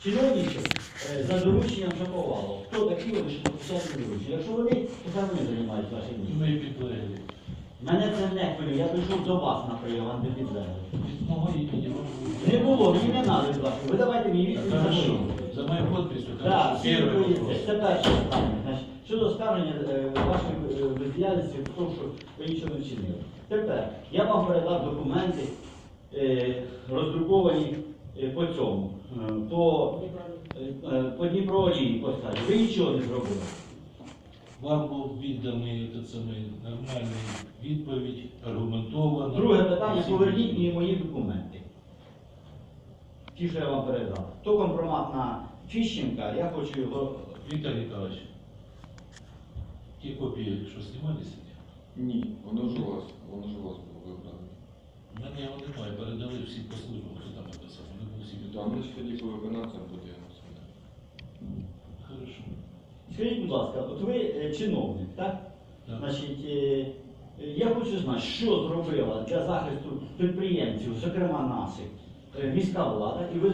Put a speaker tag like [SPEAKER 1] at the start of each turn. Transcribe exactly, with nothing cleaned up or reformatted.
[SPEAKER 1] чиновників е, за дорученням Шаповалова. Хто такі вони, що підписали доручення? Якщо вони, то хай вони займають ваше місце.
[SPEAKER 2] Ми підлеглі.
[SPEAKER 1] Мене це не хвилює, я прийшов до вас на прийом, а не до підлеглих.
[SPEAKER 2] Від мого імені вам
[SPEAKER 1] Не було, мені не треба від вас. Ви давайте мені відповідь за
[SPEAKER 2] Хорошо.
[SPEAKER 1] що.
[SPEAKER 2] За мою подписью,
[SPEAKER 1] Так,
[SPEAKER 2] хорошо.
[SPEAKER 1] всі
[SPEAKER 2] Первый
[SPEAKER 1] відповіді.
[SPEAKER 2] вопрос.
[SPEAKER 1] Це перше питання. Значить, щодо скарження е, вашої е, бездіяльності, тому що ви нічого не вчинили. Тепер я вам передав документи, е, роздруковані е, по цьому, е, по, е, е, по Дніпроолії, по скарзі. Ви нічого не зробили.
[SPEAKER 2] Вам був відданий этот самий нормальний відповідь, аргументовано.
[SPEAKER 1] Друге питання,
[SPEAKER 2] Всі
[SPEAKER 1] поверніть
[SPEAKER 2] відповіді.
[SPEAKER 1] мені мої документи. Ті, що я вам передав. То компромат на Фіщенка, я хочу його.
[SPEAKER 2] Віктор Ніколаевич, ті копії, що знімалися,
[SPEAKER 3] Ні, воно ж у вас, воно ж у вас було вибрано.
[SPEAKER 2] в мене його немає, передали всі по службам, хто там написав, вони були всі
[SPEAKER 3] Там
[SPEAKER 2] відомі.
[SPEAKER 3] лише тоді по виконавцям буде.
[SPEAKER 2] Хорошо.
[SPEAKER 1] Скажіть, будь ласка, от ви е, чиновник, так?
[SPEAKER 2] Так.
[SPEAKER 1] Значить, е, я хочу знати, що зробила для захисту підприємців, зокрема наших, е, міська влада, і ви